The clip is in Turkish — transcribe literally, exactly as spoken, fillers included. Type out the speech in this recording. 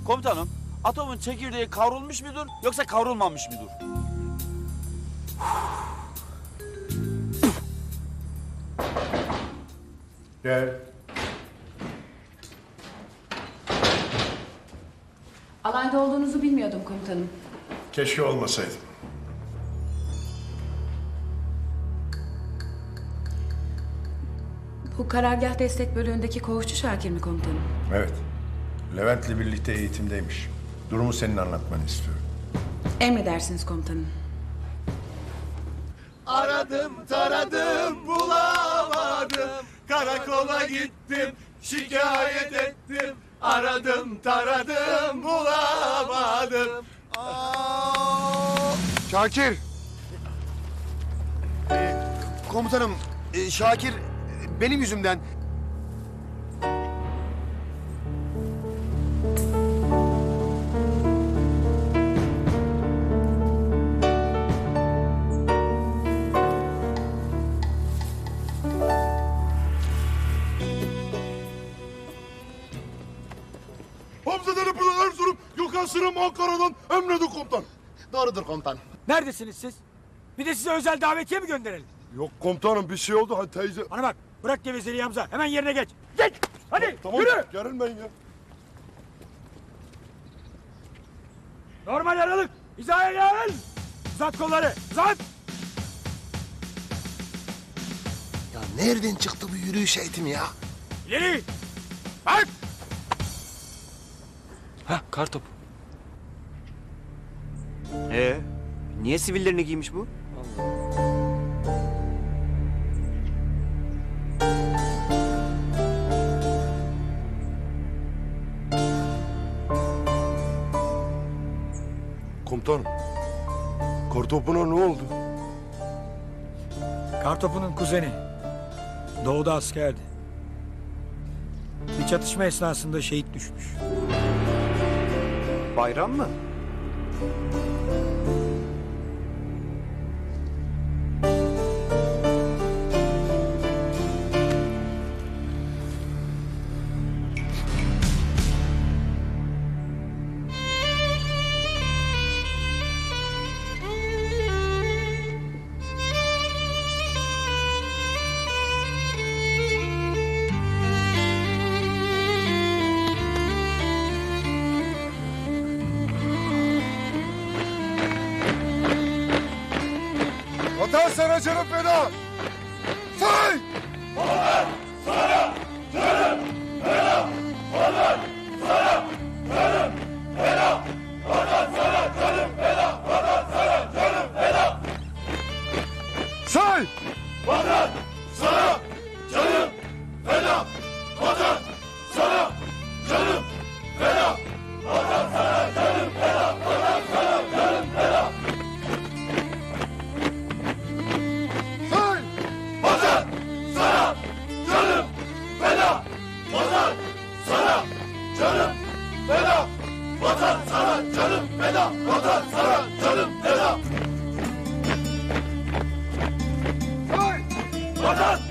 Komutanım, atomun çekirdeği kavrulmuş mudur yoksa kavrulmamış mıdır? Gel. Alayda olduğunuzu bilmiyordum komutanım. Keşke olmasaydım. Bu karargah destek bölüğündeki koğuşçu Şakir mi komutanım? Evet. Levent'le birlikte eğitimdeymiş. Durumu senin anlatmanı istiyorum. Emredersiniz komutanım. Aradım taradım bulamadım. Karakola gittim şikayet ettim. Aradım taradım bulamadım. Aa! Şakir. Ee, komutanım, e, Şakir e, benim yüzümden... Hamzaları Pınar Erzurum, Gökhan Sırım Ankara'dan emredin komutan. Doğrudur komutan. Neredesiniz siz? Bir de size özel davetiye mi gönderelim? Yok komutanım bir şey oldu hadi teyze. Bana bak, bırak gevezeliği Hamza. Hemen yerine geç. Geç! Hadi Tamam yürü! gerilmeyin ya. Normal aralık. Hizaya gel! Uzat kolları, uzat! Ya nereden çıktı bu yürüyüş eğitimi ya? İleri! Bak! Heh, kartop. Ee, niye sivillerini giymiş bu? Komutanım. Kartopuna ne oldu? Kartopu'nun kuzeni. Doğuda askerdi. Bir çatışma esnasında şehit düşmüş. Bayram mı? Vatan sana canım feda. Say! Say! Vatan sana canım feda. Vatan sana canım feda. Vatan sana canım feda. Vatan sana canım feda. Say! Vatan sana canım feda. Vatan sana canım feda. Vatan sana canım feda. Vatan sana canım feda. Say! Vatan